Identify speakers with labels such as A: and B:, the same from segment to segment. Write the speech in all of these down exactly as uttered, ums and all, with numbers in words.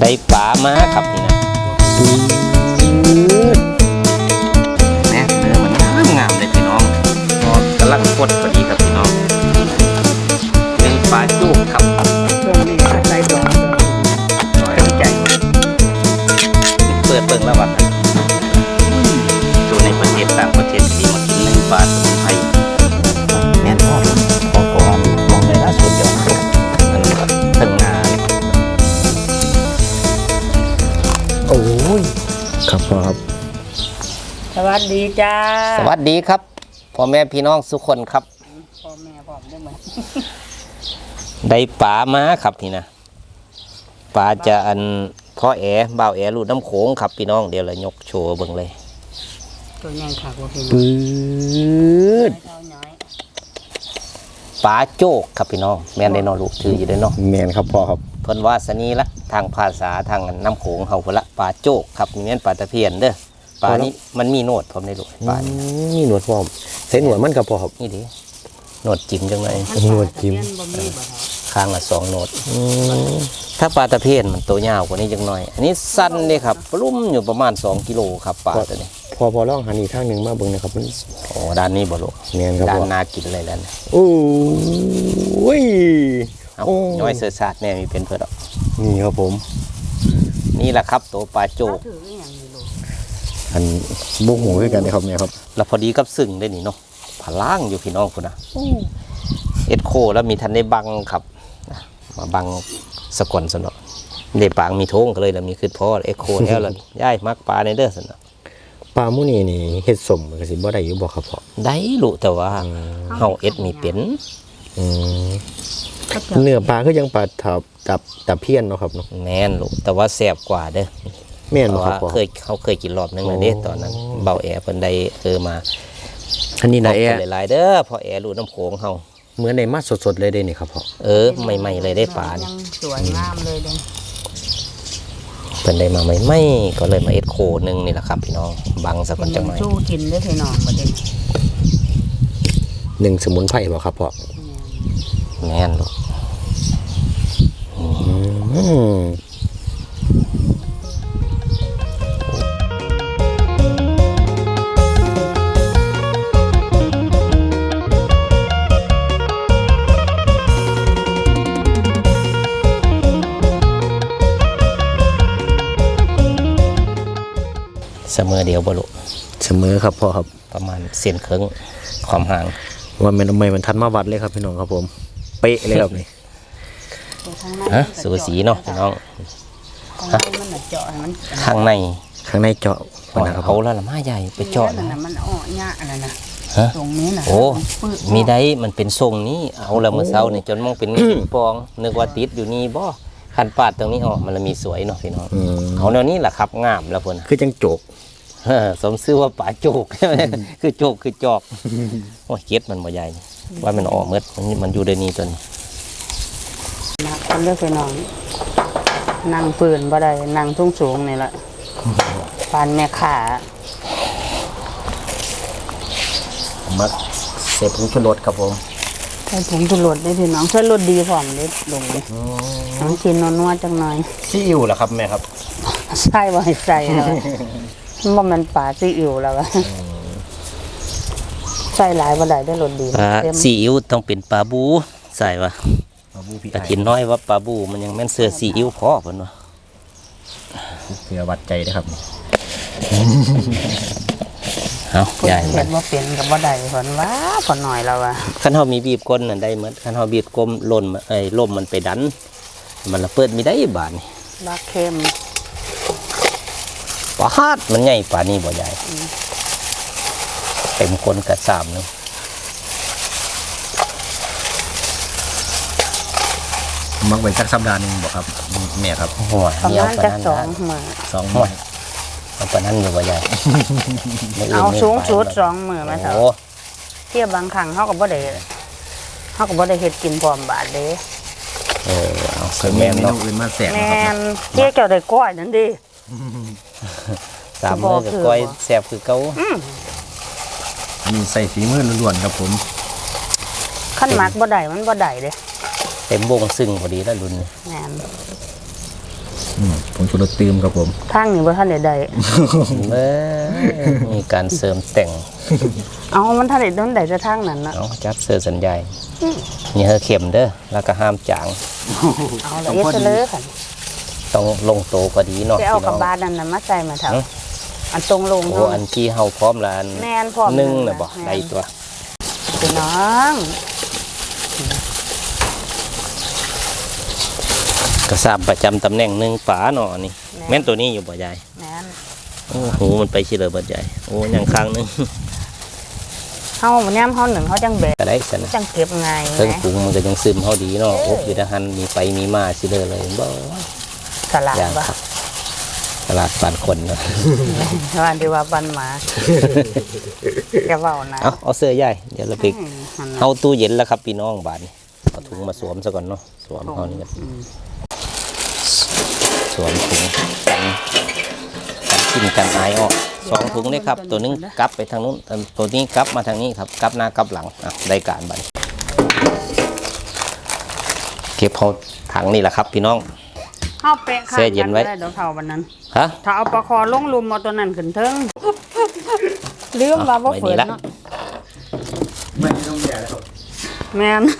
A: ได้ปลามาครับนี่นะแม่เนื้อมันงามงามเลยพี่น้องกำลังกดพอดีครับพี่น้องเป็นปลาจุกครับ
B: ตรงนี้ใส่ดอง
A: น้อยใจเปิดเปิงแล้ววัดดูในประเทศต่างประเทศที่มากินในปลาสมุนไพรแม่นพ่อพอก่อนมองได้ล่าสุดเดียวมันถึงงานโอ้ย
C: ครับพ่อครับ
B: สวัสดีจ้า
A: สวัสดีครับพ่อแม่พี่น้องทุกคนครับ
B: พ่อแม่พ่อได้ไหม
A: ได้ปลามาครับนี่นะปลาจะอันพ่อแอ๋บ่าวแอ๋ลูดน้ำโขงครับพี่น้องเดี๋ยวเรายกโชว์เบิ่งเลย
B: ตัวใหญ่ค่ะพ่อพี่น้อง
A: ปื๊ดปลาโจกครับพี่น้องแม่นได้นอลูกถืออยู่ได้เนาะ
C: แมนครับพ่อครับ
A: เพิ่นว่าสนีละทางภาษาทางน้ำโขงเฮาพุ่นละปลาโจกครับนี่แม่นปลาตะเพียนเด้อปลานี้มันมีโนดพร้อมได้ลูกปลานี่
C: มีหนวดพร้อมใส่หนวดมันกับพ่อครับ
A: นี่ดิโนดจิ้มจังไง
C: หนวดจิ้ม
A: ข้างละสองโนดถ้าปลาตะเพียนมันตัวยาวกว่านี้จังหน่อยอันนี้สั้นเลยครับลุ่มอยู่ประมาณสองกิโลครับปลาตัวนี้
C: พอพอลองหันอีกทางหนึ่งมาเบิ่งนะครับมัน
A: โอ้ด้านนี้บ่ลูก
C: แม่นครับ
A: ด้านนากินเลยด้านนี้
C: โอ้ย
A: โอ้น้อยเสือสาดแน่มีเป็นเพื่อน
C: นี่ครับผม
A: นี่แหละครับตัวปลาโจก
C: อันบุกหมูด้วยกันนะครับแม่ครับ
A: แล้วพอดีกับซึ่งได้นี่เนาะผาล่างอยู่พี่น้องคุณนะเอ็ดโคแล้วมีทันได้บังครับมาบังสะกอนสนอเด็ปางมีโถงก็เลยแล้วมีคือพ่อเอ็ดโคแล้วล่ะย่ายมักปลาในเด้อสนอ
C: ปลาหมูนี่นี่เฮ็ดสมก็สิบ่ได้อยู่บ่ครับพ่อ
A: ได้ลูกแต่ว่าเฮาเอ็ดมีเป็น
C: เนื้อปลาคือยังปลาทับตับตับเพี้ยนเนาะครับเนาะ
A: แม่นลูกแต่ว่าแซ่บกว่าเด้อ
C: แม่นบ่ครับพ่อ
A: เคยเขาเคยกินรอบนึงแล้วเด้ตอนนั้นเบาแอเพิ่นได้เออมา
C: อันนี้นะแอ
A: หลายๆเด้อพอแอรูน้ำโขงเฮา
C: เหมือนในมาสดๆเลยได้นี่ครับพ่อ
A: เออใหม่ๆเลยได้ปลานี่
B: สวยงามเลยเด้
A: เพิ่นได้มาใหม่ๆก็เลยมาเอ็ดโคนึงนี่แหละครับพี่น้องบังสักก่อนจังหน่อย
B: สู้กินได้พี่น้องบ่ได้
C: หนึ่งสมุนไพรบ่ครับพ่อ
A: แม่นลูกเสมอเดียวบ่ลูก
C: เสมอครับพ่อครับ
A: ประมาณเส้นครึ่งความห่าง
C: ว่ามันทำไมมันทันมาวัดเลยครับพี่น้องครับผมเป๊ะเลยครับนี่
A: ฮะสูสีเนาะพี่น้องข้างใน
C: ข้างในเจาะ
A: เขาแล้วละมาใหญ่ไปเจาะ
B: นะมันอ้อยากอะไรนะตรงนี้นะ
A: โอ้มีได้มันเป็นทรงนี้เอาละเมื่อเช้านี่จนมองเป็นปองนึกว่าติดอยู่นี่บ่ขันปาดตรงนี้ออกมันมีสวยเนาะพี่น้องเอาแนวนี้แหละครับงามแล้วพุ่น
C: คือจังโจก
A: สมชื่อว่าป่าโจกคือโจกคือจอกโอ้ยเก็ดมันบ่ใหญ่ว่ามันออกเมื่อมันอยู่ในนี้จน
B: นักคนเลือกไปนอนนั่งปืนบ่ได้นั่งทุ่งสูงนี่แหละปานแม่ขา
A: มักเสพผงชูรสครับผม
B: ใส่ผงชูรสได้พี่น้องใส่รสดีพร้อมเด็ดลงเลยน้องกินนัวๆจังหน่อย
A: ซีอิ๊วเหรอครับแม่ครับ
B: ใส่บ่ให้ใส่แล้วว่ามันปลาซีอิ๊วแล้วใส่หลายบ่ได้ได้รสดี
A: ซีอิ๊วต้องเป็นปลาบูใส่วะแต่กินน้อยว่าปลาบูมันยังแม่นเสือซีอิ๊วพอเพิ่นว่า
C: เพื่อวัดใจนะครับ
A: เอาใหญ่
B: เห็นว่าเปลี่ยนกับว่าใดผลว่าผลหน่อยแล้วอะ
A: ขั้นเฮามีบีบก้นน่ะได้เหมือนขั้นเฮาบีบก้มล่นไอ้ล่มมันไปดันมันละเปิดมีได้บาดนี่
B: บาเค็ม
A: ปลาฮาดมันใหญ่ปลานี่บ่ใหญ่เต็มคนกระสามนึง
C: มักไว้สักสัปดาห์นึงบ่ครับแม่ครับ
A: หัว
B: เดียวปานนั้นสองมื้อ
A: สองมื้อเอาปานนั้นอยู่บ่ใหญ่
B: เอาสูงสุดสองมื้อมาเถอะเที่ยบางครั้งเฮาก็บ่ได้เฮาก็บ่ได้เฮ็ดกินพร้อมบาดเด้
A: เออเอาคือแม่นเนาะ
C: อื่นมาแซ่บ
B: ครับแม่นเที่ยเจ้าได้ก้อยนั่นดิ
A: สามมื้อก็ก้อยแซ่บคือเก่า
C: มีใส่ฝีมือล้วนๆครับผม
B: ขั้นมักบ่ได้มันบ่ได้เด้
A: เต็มวงซึ่งพอดีแล้วรุ่น
B: แม่น
C: อืมผมชูรสตืมครับผม
B: ทางนี่บ่ทันได้ได้
A: เอ้ยมีการเสริมแต่ง
B: เอามันทันได้โดนได้จะทางนั้นน่ะ
A: เอาจับเสื้อสัญญาณนี่เฮอเข็มเด้อแล้วก็ห้ามจาง
B: เอาละเอ็ดเลยค่ะ
A: ต้องลงโตกว่าดีเนาะ
B: จะเอา
A: พี่น้
B: กับ
A: อง
B: บาดนั่นน่ะมาใส่มาเถอะ
A: ฮะ
B: อันตรงลง
A: โอ้
B: เนาะ
A: อันที่เฮาพร้อมแล้วอัน
B: แม่นพร้อม
A: หนึ่ง
B: นั่
A: น่ะ
B: น
A: บ่
B: น่ะแม่น
A: ได้ตัว
B: พี่น้อง
A: กระซาบประจำตำแหน่งหนึ่งฝาเนาะนี่แม่นตัวนี้อยู่บ่ยาย
B: แม่น
A: โอ้โหมันไปชิเลยบ่ยายโอ้ยังข้างหนึง
B: เฮาแนมเฮาหนึ่งเฮาจังแบก
A: ก็ได้สนะ
B: จังเก็บง่าย
A: เครื่อง
B: นะ
A: ปรุงมันก็ยังซึมเฮาดีเนาะ
B: เออ
A: โอ้อยู่ทหารมีไปมีมาสิเลยเลยบ่
B: สลัด
A: อย่าง
B: บ่
A: ครับตลาดบ้านคนเนาะ
B: ว่าดีว่าบันหมาอย่าเว้านะ
A: เอาเอาเสื้อใหญ่เดี๋ยวเราไป
B: อืมหั่นน่ะ
A: เอาตู้เย็นแล้วครับพี่น้องบาดนี้เอาถุงมาสวมซะก่อนเนาะสวมเฮานี่กัน
B: อืม
A: สวมถุงกันกันกินกันอายออกสองถุงนี่ครับตัวหนึงกลับไปทางนู้นอันตัวนี้กลับมาทางนี้ครับกลับหน้ากลับหลังอ่ะได้การบัดนี้เก็บเอาถังนี่แหละครับพี่น้อง
B: เฮาแปะข้าง
A: แช่เย็นไว้
B: กัด้เดี๋ยวเท่าวันนั้น
A: ฮะ
B: ถ้าเอาปลาคอลงลุมเอาตัวนั้นขึ้นเทิงลืมว่าบ่
A: ไว้
B: เฟิ
A: นี่
B: น
A: ละ
B: เนาะ
C: ไม่ต้องแย่แล้วครับ
B: แม่น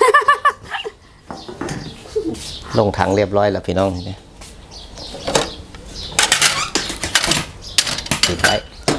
A: ลงถังเรียบร้อยแล้วพี่น้องนี่ติดไว้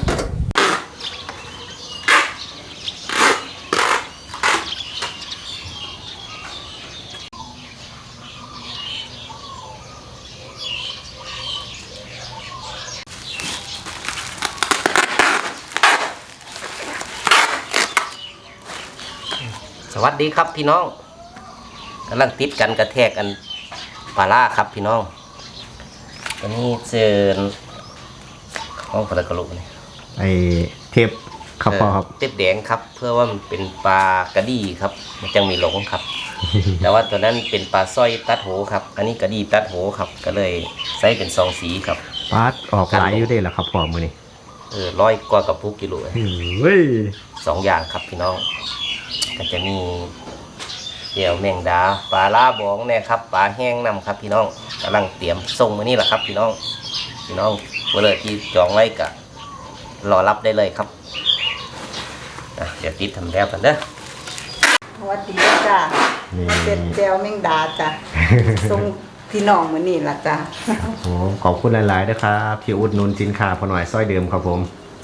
A: สวัสดีครับพี่น้องกำลังติดกันกระแทกกันปลาล่าครับพี่น้องวันนี้เจอห้องปลากระโหลกนี่
C: ไอเทปครับพ่อครับ
A: เต็บแดงครับ เพื่อว่ามันเป็นปลากระดีครับมันจังมีหลงครับ แต่ว่าตัวนั้นเป็นปลาสร้อยตัดโหครับ อันนี้กระดีตัดโหครับ ก็เลยใส่เป็นสองสีครับ
C: ปาดออกหลายอยู่ได้แล้วครับพ่อมือนี่
A: เออร้อยกว่ากับพุกกิโลเอง
C: เฮ้ย
A: สองอย่างครับพี่น้องก็จะมีเดี่ยวแมงดาปลาล่าบองเนี่ยครับปลาแห้งนำครับพี่น้องกำลังเตรียมส่งมานี่แหละครับ พี่น้องพี่น้องเวลาที่จองไว้ก็รอรับได้เลยครับอ่ะเดี๋ยวติดทำแล้วกันเด้อ
D: สวัสดีจ้ะมันเป็นแจวแมงดาจ้ะ ส่งพี่น้องมื้อนี้ล่ะจ้ะ
C: โอ้ขอบคุณหลายๆนะครับที่อุดหนุนสินค้าพอหน่อยซ้อยเดิมครับผม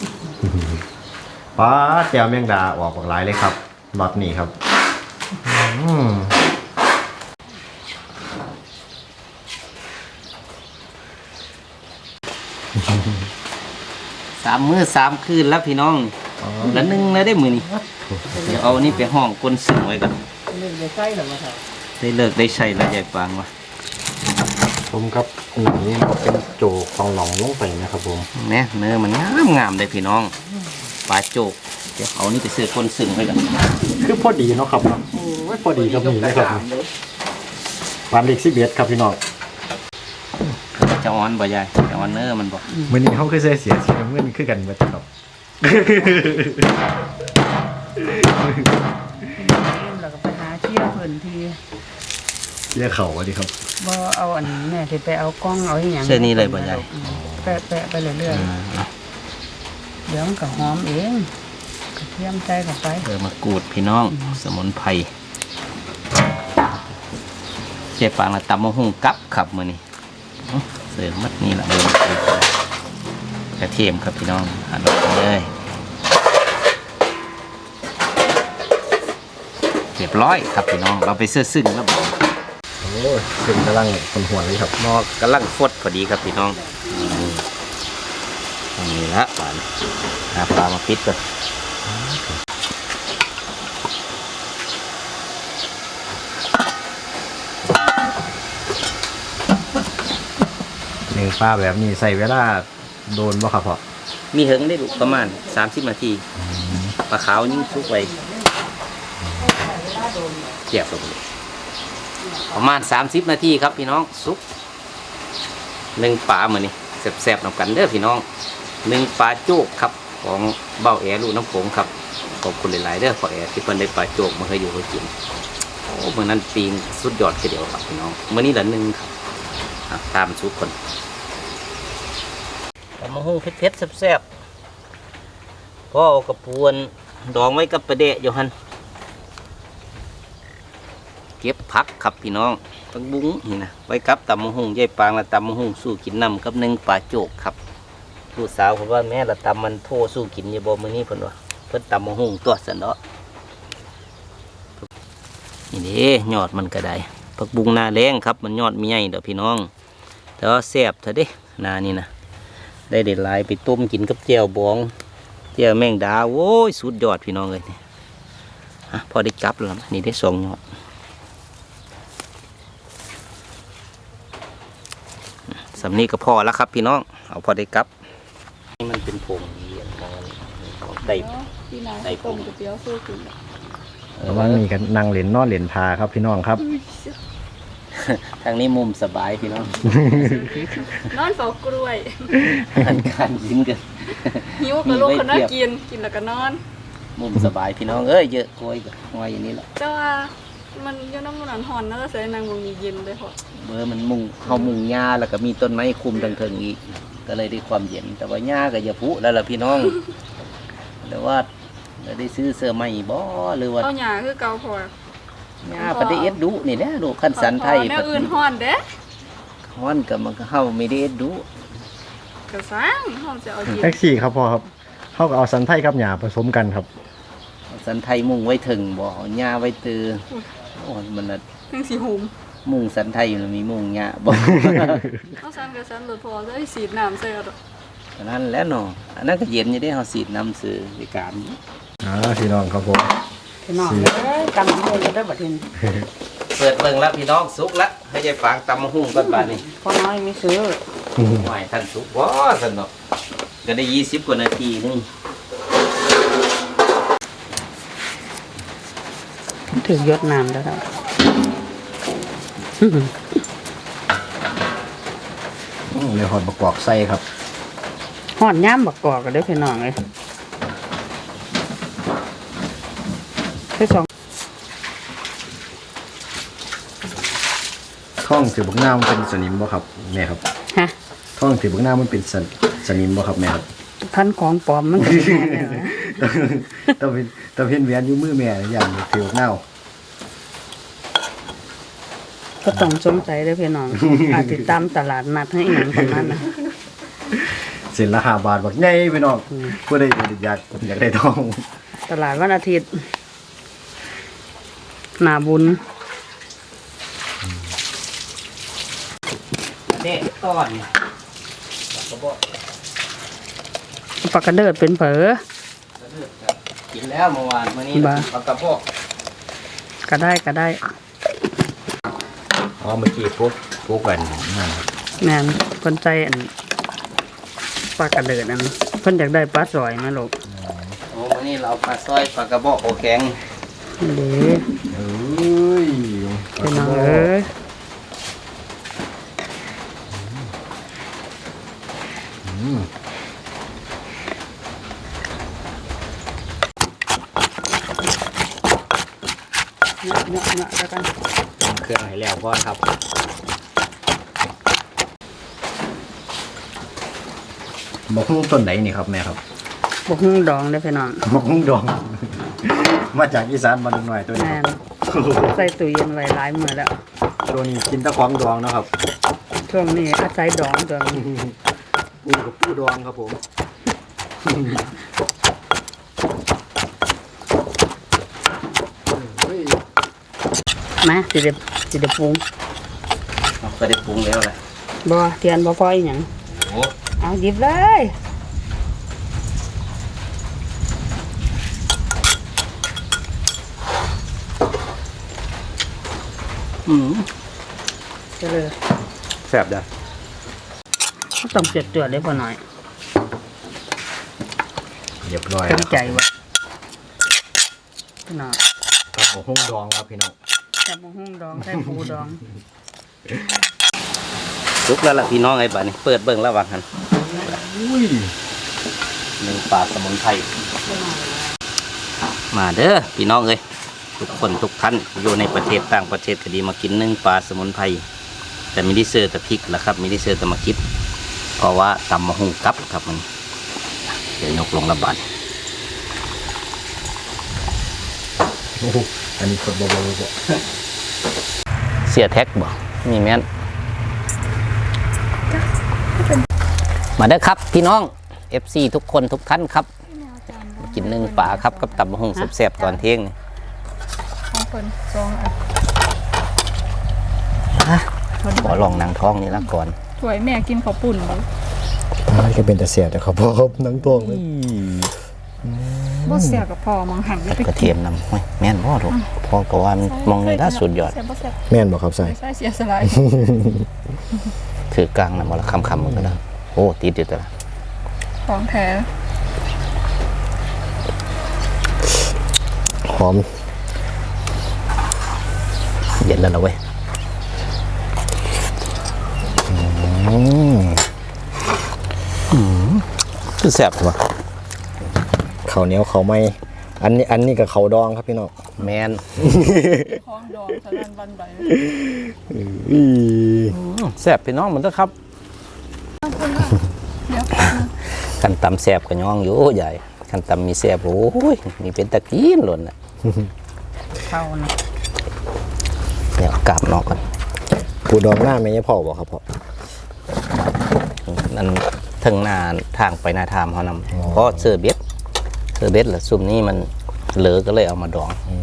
C: ป้าดแจวแมงดาออกหลายเลยครับรอบนี้ครับอืม
A: สามมื้อสามคืนแล้วพี่น้องละหนึ่งแล้วได้มือนี่เดี๋ยวเอาอันนี้ไปห้องก้นสึงไว้ก่อน
B: เล่นได้ใกล้หรอวะครับ
A: ได้เลิกได้ใช้แล้วใหญ่ปางวะ
C: ผมครับหนังนี้มันเป็นโจกของหนองลงไปนะครับผม
A: เนี่ยเนื้อมันงามงามเลยพี่น้องปลาโจกเดี๋ยวเอานี่ไปซื้อก้นสึงไว้ก่อน
C: คือพอดีเนาะครับเนาะโอ้ยพอดีกับนี่เลยครับปานเล็กสิบเอ็ดครับพี่น้อง
A: จะอ่อนบ่ใหญ่จะอ่อนเนื้อมันบ่
C: มื้อนี้เขาคือเสียเสียสีน้ำเงินคือกันเบิดครับ
B: แล้วก็ไปหาเชี่ยเพิ่นที
C: เรียกเขาว่าดีครับ
B: บ่เอาอันนี้แม่ที่ไปเอากล้องเอาอีหยัง
A: เสื้อนี้เลยบ่ใหญ่
B: อืมแปะแปะไปเรื่อยๆเดี๋ยวมันก็หอมเองกระเทียมใส่เข้าไป
A: เออมากรูดพี่น้องสมุนไพรเจ๊ปางละตำมะฮุ่งกับครับมื้อนี้อื้อเสริมมัดนี่ล่ะเบิ่งกระเทียมครับพี่น้องอันนี้เลยเรียบร้อยครับพี่น้องเราไปเสื้อซึ่งแล้วบ่
C: โอ้ยเป็นกำลังคนหัวเลยครับ
A: หมอกกำลังฟดพอดีครับพี่น้องตรงนี้ละหวานหาปลามาปิดก่อน
C: หนึ่งป้าแบบนี้ใส่เวลาโดนบ่ครับพ่อ
A: มีเหิงได้ลูกประมาณสามสิบนาทีปลาขาวยิ่งซุกไว้เจียบลงเลยประมาณสามสิบนาทีครับพี่น้องซุกหนึ่งปลาเหมือนนี่แซ่บๆนำกันเด้อพี่น้องหนึ่งปลาโจกครับของเบ้าแอลูกน้ำผงครับขอบคุณหลายๆเด้อขอแอที่เพิ่นได้ปลาโจกมาให้อยู่ให้กินโอ้เมื่อนั้นปีงสุดยอดทีเดียวครับพี่น้องเมื่อนี้ละหนึ่งครับอ่ะตามสุกคนตำมะฮุ่งเผ็ดๆแซ่บๆพ่อเอากระปวนดองไว้กับประเดะอยู่หันเก็บผักครับพี่น้องผักบุ้งนี่นะไว้กับตำมะฮุ่งยายปางและตำมะฮุ่งสู้กินน้ำกับหนึ่งปลาโจกครับลูกสาวผมว่าแม่ละตำมันโทสู้กินอย่าบอกมื้อนี้เพิ่นว่าเพิ่นตำมะฮุ่งตัวสันเนาะนี่เด้ยอดมันก็ได้ผักบุ้งหน้าแรงครับมันยอดมีใหญ่เด้อพี่น้องแต่ว่าแซ่บเถอะเด้หน้านี่นะได้เด็ดลายไปต้มกินกับแจ่วบองแจ่วแมงดาโว้ยสุดยอดพี่น้องเลยนี่ฮะพอได้กลับแล้วนี่ได้สองยอดสำนี้ก็พอแล้วครับพี่น้องเอาพอได้กลับนี่มันเป็นผงเยียนมองได้
E: พี่นายต้มก๋วยเตี๋ยวสู้กิน
C: ระหว่างนี้กันนั่งเหรียญนอนเหรียญพาครับพี่น้องครับ
A: ทางนี้มุมสบายพี่น้อง
E: นอนเฝ้ากล้วย
A: การการกินกัน
E: หิวก็ลุกขึ้นมากินกินแล้วก็นอน
A: มุมสบายพี่น้องเอ้ยเยอะกล้วยกับงอยอย่างนี้แหละ
E: แต่ว่ามันอยู่น้ำมันหอนน่าจะใส่นางวงเย็นเลยพอ
A: เบอร์มันมุงเขามุงหญ้าแล้วก็มีต้นไม้คุมทางเทิงอีกก็เลยได้ความเย็นแต่ว่าหญ้าก็อย่าพุแล้วล่ะพี่น้องแต่ว่าได้ซื้อเสื้อใหม่บ่หรือว่า
E: เอาหยาคือเกาพอ
A: หญ้าปฏิเอสดุนี่แหละดูขั้นสันไทย
E: แนวอื่นฮ้อนเด้
A: ฮ้อนกับมันก็เฮาไม่ได้เอ็ดดุ
E: กระซังฮ้อนจะเอาเย็น
C: แท็กซี่ครับพ่อครับเขาก็เอาสันไทยกับหยาผสมกันครับ
A: สันไทยมุงไว้ถึงบ่เอาหญ้าไว้ตือโอ้ยมันน่ะ
E: ทั้งสีหุม
A: มุงสันไทยอยู่แล้วมีมุงหญ้าบ่
E: เอาซันกระซันหลุดพอจะให้สีดน้ำใส่เอาดอก
A: อันนั้นแหล้วเนาะอันนั้นก็เย็นอยู่ได้เฮาสีดน้ำซื้อในการ
C: อ่าพี่น้องครับผม
B: พี่น้องเอ้ยกำลังเฮ็ดได้บัดนี้
A: เปิดเบิ่งแล้วพี่น้องสุกแล้วให้ยายฟางตำมะฮุ่งก่อนบาดนี้
B: พ่อน้อยมีซื้อ
A: หอยท่านสุกบ่สนเนาะก็ได้ยี่สิบกว่านาทีนึง
B: ถึงยศน้ำแล้วครับ
C: อืมเลยหอดประกอบไส้ครับ
B: หอดย่ามบักกอกกันเด้อพี่น้องเลยคือสอง
C: ท่องถือบุกหน้ามันเป็นสนิมบ่ครับแม่ครับ
B: ฮะ
C: ท่องถือบุกหน้ามันเป็นสนสนิมบ่ครับแม่ครับ
B: พันของปลอมมันก็สิแม่นแหละ
C: ต้องเป็นต้องเป็นแหวนอยู่มือแม่อย่างถือบุกหน้า
B: ก็ต้องสงสัยเด้อพี่น้อง อาจติดตามตลาดนัดให้อีหยังประมาณนั้น
C: เส้นละห้าบาทบักใหญ่พี่น้องผู้ใดอยากอยากได้ทอง
B: ตลาดวันอาทิตย์หนาบุญ
A: เด็กต้อนแล้วก็บ่
B: ปากกระเดิดเป็นเผลอ
A: กินแล้วเมื่อวานมื้อนี้
B: บ้า
A: ปลากระบอก
B: ก็ได้ก็ได้
C: อ๋อเมื่อกี้พวกพวกกันนั่นครับ
B: แม่นเพิ่นใจอันปลากระเดิดอันเพิ่นอยากได้ปลาสอยมาลูก
A: โอ้มื้อนี้เราปลาซอยปลากระบอกโอแข็ง
B: เด้
C: เอ้ย
B: พี่น้องเอ้ย
C: อืม
B: เนาะเนาะเนาะแล้วกัน
C: เครื่องให้แล้วก่อนครับบอกหุ้งต้นไหนนี่ครับแม่ครับ
B: บ่ฮู้ดองเด้อพี่น้อง
C: บอกหุ้งดอง มาจากอีสานมาดูหน่อยตัวนี้
B: แม่
C: คน รับ
B: ใส่ตู้เย็นไว้หลายมื้อแล้ว
C: ตัวนี้กินแตะของดองนะครับ
B: ช่วงนี้อาศัยดองตัวนี้
C: ปูกับปูดองครับผม
B: มาสิได้สิได้ปรุง
A: เราก็ได้ปรุงแล้วแหละ
B: บ่เทียนบ่พออีหยัง
A: โอ้
B: เอาหยิบเลย
A: อืม
B: เจเลย
C: แซ่บจ้ะ
B: ต้องเจือดๆได้พอหน่อย
C: เรียบร้อย
B: เต็ม
C: แล้ว
B: ใจว่ะพี่น้อง
C: ครับผมหุ้งดองครับพี่น้อง
B: ใส่บ่ฮู้ดองใส่ปูดอง
A: สุกแล้วล่ะพี่น้องไอ้บ้านี่เปิดเบิ่งแล้วว่าหั่น
C: อุ้ย
A: หนึ่งปลาสมุนไพรมาเด้อพี่น้องเอ้ยทุกคนทุกท่านอยู่ในประเทศต่างประเทศก็ดีมากินหนึ่งปลาสมุนไพรแต่ไม่ได้เสิร์ฟแต่พริกแล้วครับไม่ได้เสิร์ฟแต่มาคิดเพราะว่าตำมะฮุงกับครับมันเดี๋ยวยกลงระบาด
C: โอ้โหอันนี้คนเบาๆบ่
A: เสียแท็กบ่มีแม่นมาเด้อครับพี่น้อง เอฟ ซี ทุกคนทุกท่านครับมากินหนึ่งป่าครับกับตำมะฮุงแซ่บๆตอนเที่ยงนี่
E: ของคนสองอัน
A: ขอลองนางท้องนี่ละก่อน
E: ถวยแม่กินข้าวปุ่นเลย
C: มันก็เป็นแต่เสียแต่เขาพอครับนังตวงเลย
E: บ่เสียกับพ่อมองหันไป
A: กระเทียมนำโอ้ยแม่นบ่ถูกพ่อก็ว่ามันมองในด้านสุดยอด
E: เสียบ่เสีย
C: แม่นบอกครับใส่
E: ใช่เสียสลาย
A: ถือกลางนะมอละคำคำมันก็ได้โอ้ติดอยู่แต่ละ
E: ของแท้
C: หอม
A: เย็นแล้วนะเว้ยคือแซ่บว่ะ
C: ข้าวเหนียวข้าวไหม้อันนี้อันนี้กับข้าวดองครับพี่น้อง
A: แมน
E: ของดองสะนันวันใบ
C: อี
A: แซ่บพี่น้องมันก็ครับ
E: เดี๋ยว
A: กันตำแซ่บกับย่องอยู่ใหญ่กันตำมีแซ่บโอ้ยมีเป็นตะกี้นหล่นน่ะ
B: เข้านะ
A: เดี๋ยวเอากลับนอกก่อน
C: ปูดองหน้าไม่ใช่พ่อบอกครับพ่อ
A: นั่นถึงหน้าทางไปหน้าทามเขานำเพราะเสื้อเบ็ดเสื้อเบ็ดแหละซุ่มนี้มันเหลือก็เลยเอามาดอง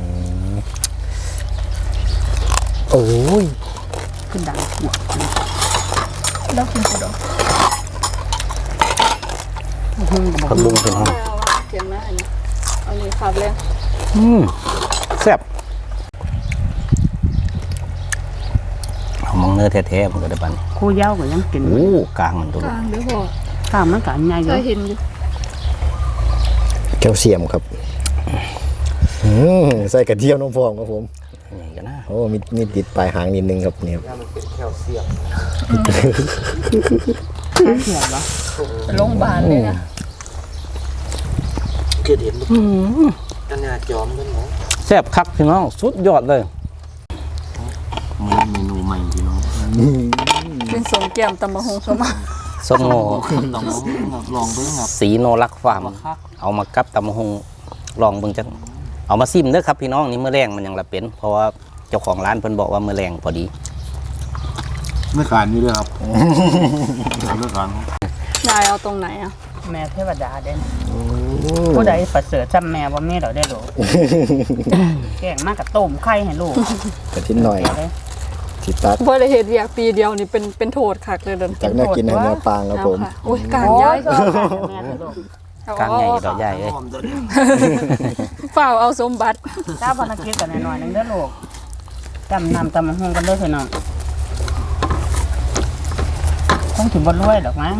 C: โอ้ย
B: ขึ้นดังหัว
E: แล้วกินข้าวดอง
B: หุ่งกับ
A: ผักบุ้งพี่น้อง
E: เอาว่าเทียมนะอันนี้อันนี้ขับเลย
A: อืมแซ่บเอามองเนื้อแท้ๆมันก็ได้บัดน
B: คู่เย้าก็ยังกิน
A: โอ้กลางมันตัว
E: ก
A: ลูก
E: ลางเดี๋ยวพอ
B: ข้าวมันก็อันใหญ่อ
E: เค
B: ยู่
E: ยเห็นอยู่
C: แคลเซียมครับอืมใส่กระเทียมน้ำฟองครับผม
A: อย่างกันนะ
C: โอ้มีมีติดปลายหางนิดนึงครับเนี่ย
B: เขียวเหรอ
E: ไปโรงพยาบาลเลยนะ
A: แซ่บคักพี่น้องสุดยอดเลยเมนูใหม่พี่น้อง
E: เป็นสมแก้มตำมะฮงเข้ามา
A: ส้มโง่
F: ลองลองเบิ่งครับ
A: สีโนรักฟาร์มเอามากับตำมะฮงลองเบิ่งจังเอามาซิมเด้อครับพี่น้องนี่เมื่อแรงมันยังละเป็น เพราะว่าเจ้าของร้านเพิ่นบอกว่าเมื่อแรงพอดี
F: ไม่ขานนี่ด้วยครับไม่ขาน
E: ยายเอาตรงไหนอ่ะ
B: แม่เทวดาเด่นผู้ใดประเสริฐจำแม่ว่าแม่เราได้หรอแกงมากกับต้มไข่ให้ลูก
C: กระทิ้นหน่อย
B: เดี๋ยวเลย
C: ทิตัด
E: บ่ได้เฮ็ดเวียกปีเดียวนี่เป็นเป็นโทษคักเลยเดิน
C: จากน่ากินในเนื้อปลางครับผม
E: เอาค่ะโอ้ยกลาง
B: โอ้
E: ย้าย ย
B: ก็เอาไข่ให้แม่ให้ลูก
A: กลางใหญ่ดอกใหญ่เลย
E: เปล่าเอาสมบัติ
B: เจ้าพนักกินกันหน่อยๆนึงเด้อลูกจำนำตำมะฮงกันเด้อพี่น้องคงถึงบนรวยดอกมั้ง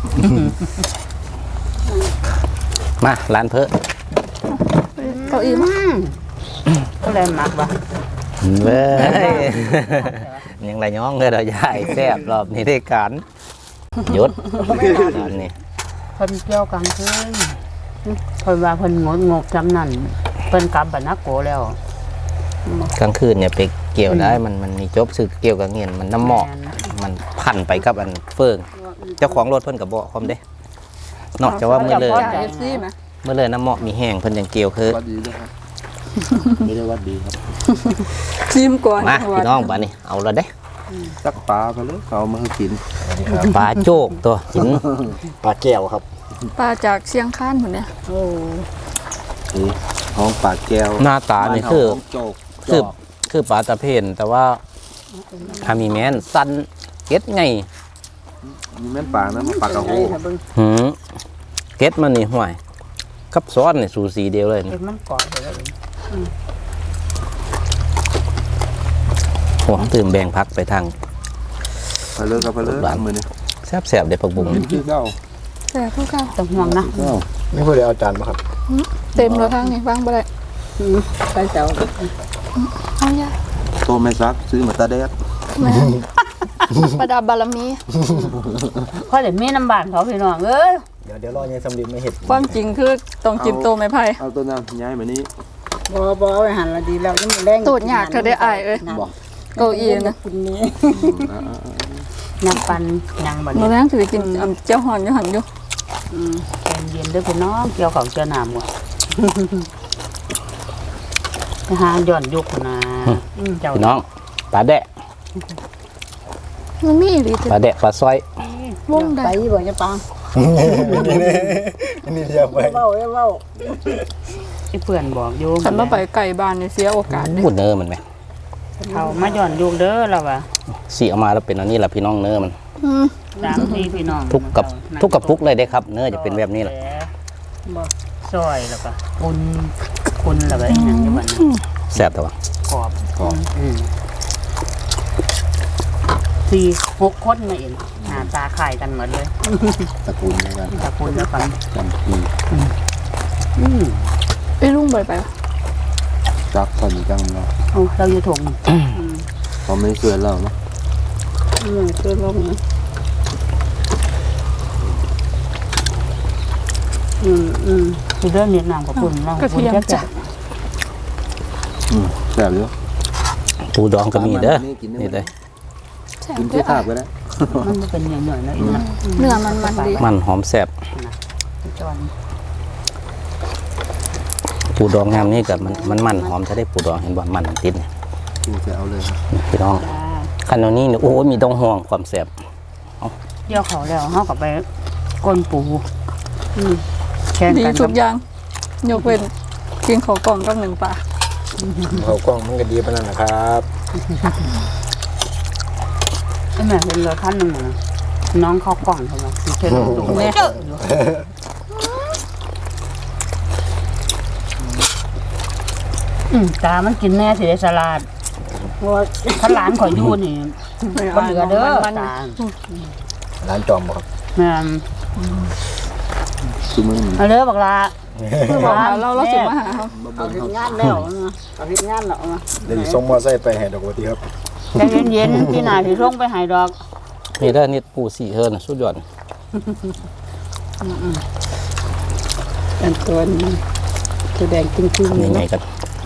A: มาร้านเพิ่น
E: เก้าอี้มา
B: ก็เลยมักว่ะ
A: เว้ยยังไรย้องเลยดอกใหญ่แซ่บรอบนี้ได้การหยุดอันนี้
B: เพิ่นเกี่ยวกันคือเพิ่นว่าเพิ่นงดงกจำนั่นเพิ่นกลับบ้านนักโกแล้ว
A: กลางคืนเนี่ยไปเกี่ยวได้มันมันมีจบสึกเกี่ยวกับเงินมันน้ำหมอก มันพันไปกับอันเฟิงเจ้าของรถเพิ่นกับบอกความเด้นอกจากว่าเมื่อเลย
E: จ่าย เอฟ ซีไหม
A: เมื่อเลยน้ำหมอกมีแห้งเพิ่นยังเกี่ยวคือ
F: วัดดีนะครับไม่ได้วัดดีครับ
E: ชิมก่อน
A: มาพี่น้องบ้านนี้เอาละเด้
F: ตักปลาไปเลยเอามาให้กิน
A: ปลาโจกตัวกิน
C: ปลาแก้วครับ
E: ปลาจากเชียงคานหมดเนี่ย
B: โอ้
F: นี่ห้องปลาแก้ว
A: หน้าตานี่คือ
F: บ้านเฮาห้งโจก
A: คือ
F: จอก
A: คือปลาตะเพียนแต่ว่าถ้ามีแม้นสั้นเก็ดไง
F: มีแม่นปลานะมาปลากระโห
B: เบิ่ง
A: หืมเก็ดมันนี่ห่วยกับซอสนี่สูสีเดียวเลย
B: เห็
A: นี่
B: นมันก่อนไปแล้ว
A: โอ้ตื่นแบ่งพักไปทาง
F: ไปเลยครับไปเลย
A: หวาน
F: มือนี่
A: แซ่บๆเด็ดผักบุ้ง
F: กินเก้า
E: แต่พวกเขา
B: ต้องห่วงนะ
F: เก้า
C: ไม่พูดเลยเอาจานมาครับ
E: เต็มแล้วทั้งนี้วางไปเลย
B: ไปเจ้า
E: เอาอย่า
F: โตไม่ซักซื้อมาตาแดด
E: แม่ประดับบารมี
B: เพราะเดี๋ยวมีน้ำบานเขาพี่น้องเอ้ย
C: เดี๋ยวเดี๋ยวรอยายสำลีไม่เห็ด
E: ความจริงคือต้องจิ้มโตไม้ไผ่
F: เอาตัวนั้นย้ายมานี้
B: บ่บ่เอาไปหันละดีแล้วนี่มันแรง
E: ตูดหยากเธอได้อายเอ้ย
F: บอก
E: เก้าอี้นะ
D: คุณนี้
B: นักปันยังบ่
E: มื้
B: เนี่
E: อย แรงสิไปกินอันเจ้าหอนอยู่หั่นอยู่
B: อืมใจเย็นเด้อพี่น้องเกี่ยวของเกี่ยวน้ำบ่ไปหาย้อนยุคนะอืมเจ้า
A: พี่น้องปลาแดะ
E: มันมีอีหลีจ้ะ
A: ปลาแดะปลาซอยว
E: งใด
D: ไปบ่จะปัง
C: อันนี้เดียวไป
D: เว้าเว้า
B: ไอ้เพื่อนบอกอยู่
E: คันบ่ไปไก่บ้านนี่เสียโอกาสเด้
A: พูดเนื้อมันไหม
B: เขามาย้อนยุคเด้อเราว่ะ
A: สีออกมาแล้วเป็นอันนี้แหละพี่น้องเนื้อมัน
E: อืม
B: สามทีพี่น้อง
A: ทุกกับทุกกับทุกเลยได้ครับ เนื้อจะเป็นแบบนี้แหละ
B: บ่ซอยแล้วก็คุณคุณแล้วก็อีหยังอยู่บัดนั้น
A: แซ่บแต่ว่า
B: กรอบกรอบอืมสี่หกคนมาเองหน้าตาคล้ายกันหมดเลย
F: ตระกูลเดียวกัน
B: ตะคุณแล้วกัน
F: จำปี
B: อืม
E: ไอ้ลุงไปไปวะ
F: จักตอนนี้จังเนาะ
B: เอาเราอยู่ถง
F: เขาไม่เชื่อเราเนาะ
D: อืมเพิ่นลงนะอืมอืม
B: คือเรื่องเนียนามกับคุณเรา
E: กระเทียมจ้ะ
F: อืมแซ่บอยู่
A: ปูดองก็มีเด้อ
F: กินได้
A: นี่เลย
E: แซ่บ
F: กิน
E: เด้
F: ที่
E: อ
F: ภาพก็ได้
B: มันบ่เป็นอย่างหน่อยๆนะอีกนะ
E: เนื้อมันมันดี
A: มันหอมแซ่บ
B: จอน
A: ปูดองงามนี่กับมันมันมันหอมจะได้ปูดองเห็นบ่มันติดเนี่ย
F: กูจะเอาเลยครับ
A: พี่น้องขนมนี้นี่โอ้ยมีต้องห่วงความแซ่บ
B: เดี๋ยวเขาแล้วเขาก็ไปก้นปูอืมแข่ง
E: ดี
B: กัน
E: ทุ
B: กั
E: ก
B: บ
E: อย่างยกเว้นกินข้าวกล่องกับหนึ่งปลา
C: เขากล้องมันก็ดีปานนั้นนะครับ
B: ไอ้แม่เป็นเรือขั้นหนึ่งนะน้องเขากล่องใช่ไหมคือเช่นดูแม่อืมตามันกินแน่สิได้สลัด
D: ว่า
B: ถ้าหลานข่อยอยู่นี่ก็เหลือเด้อตา
C: ร้านจอมบ่ครับ
B: แม่น
F: คือมึง
B: เอาเด้อบักลา
E: คือบอกหาเราเราสิมาหาเขา
D: เอาเฮ็ดงานแล้วนะเอาเฮ็ดงานแล้วนะ
C: เดี๋ยวสิส่งมอไซค์ไปให้ดอกบัวทีครับ
B: ใจเย็นๆพี่นาสิส่งไปให้ดอก
A: นี่เด้อนี่ปูสีเฮิร์นสุดยอด
D: เป็นตัวนี้แสดงจริงๆ
A: นี่ไงกัน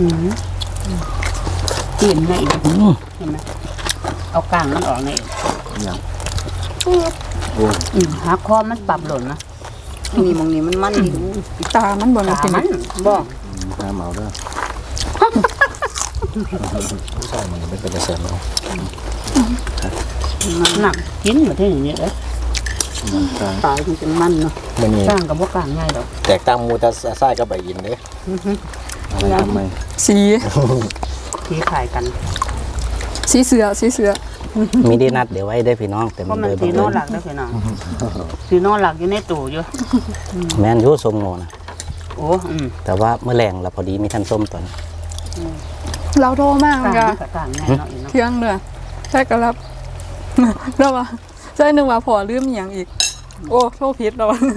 B: กินได้อีกเห็นไหมเอากลางมันออกใน
F: อย่าง
B: อืมหักคอมันปรับหล่นนะ
D: นี่มองนี่มันมันดี
E: ตามันบ่น่า
B: ตา
E: กิน
B: มันบอก
F: น้ำเมาเด้อ
C: ใช่มันไม่เป็นกระแสเนาะ
B: หนักกินมาที่อย่างนี้เลย
F: กลาง
D: ตายมันเป็นมันเนาะ
C: มื้อนี้
B: สร้างกับว่ากลางง่ายดอก
C: แตกต่างหมู่แต่ทรายกับใบยินเด้
F: อะไรทำไม
E: สี
B: ที่ขายกัน
E: สีเสือสีเสือ
A: มีได้นัดเดี๋ยวไว้ได้พี่น้องแต่
B: เพ
A: มั
B: ราะ
A: น
B: มัน
A: เลย
B: สี
A: บัง
B: โน
A: เอิญ
B: หลักได้พี่น้องสีโนหลักอยู่ในตู้อยู่
A: แม่นอยูส้มโงนะ
B: โอ้อืม
A: แต่ว่าเมื่อแรงเราพอดีมีท่านส้มตอนนี้
E: เราโทรมาก
B: กลาง
E: จ้ะ
B: กับกลางง่ายเนาะอีกเนาะ
E: เที่ยงเด้อใช่ก็รับ แล้วว่าใช่นึกว่าพอลืมอหย่างอีก โอ้โทษผิดแล้วว่ะ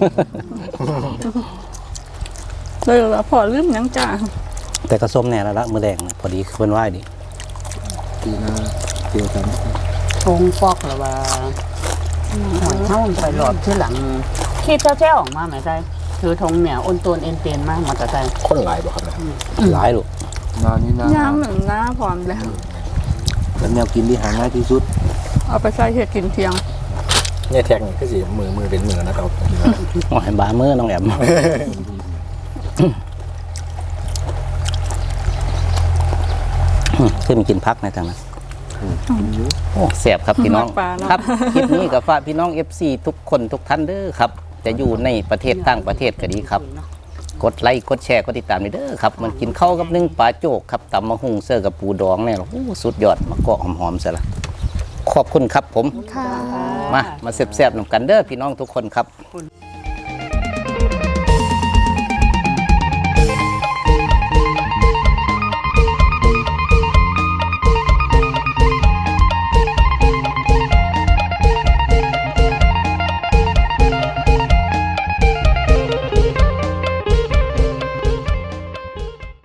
E: เลยว่าพอลืมหยังจ้า
A: แต่ก็ส้มแน่แล้วละเมื่อแรงนะพอดีเพื่อนไหวดี
F: ปีหน้าเกี่ยวกัน
B: ทงฟอกหรือว่าหอยเท่าไปหลอดที่หลังคิดเจ้าๆออกมาไหมใช่ถือธงเหนียวอ้นตัวเอ็นเตนมากมาแต่ใจ
C: คนหลายบ่ครับเนี่ย
A: หลายลูก
F: งานนี้นะ
E: ย่ามหนึ่งหน้าพร้อมแล้ว
F: เป็นแนวกินที่หาง่ายที่สุด
E: เอาไปใส่เห็ดกินเที่ยง
C: เนี่ยแท็กนี่คือสิมือมือเป็นมือนะครับ
A: โอ้ยบามือน้องแอมขึ้นกินพักในทางนั้นโอ้แสบครับพี่น้อง
E: มักปลาเนาะ
A: ครับคลิปนี้กับฝากพี่น้อง เอฟ ซี ทุกคนทุกท่านเด้อครับ จะอยู่ในประเทศต่างประเทศก็ดีครับ กดไลค์กดแชร์กดติดตามด้วยเด้อครับ มันกินข้าวกับนึ่งปลาโจกครับตำมะฮุ่งเสื้อกับปูดองเนี่ยโอ้สุดยอดมะกอกหอมๆซะละขอบคุณครับผม
E: ค่ะ
A: มา มาแซ่บๆนำกันเด้อพี่น้องทุกคนครับ
B: คุณ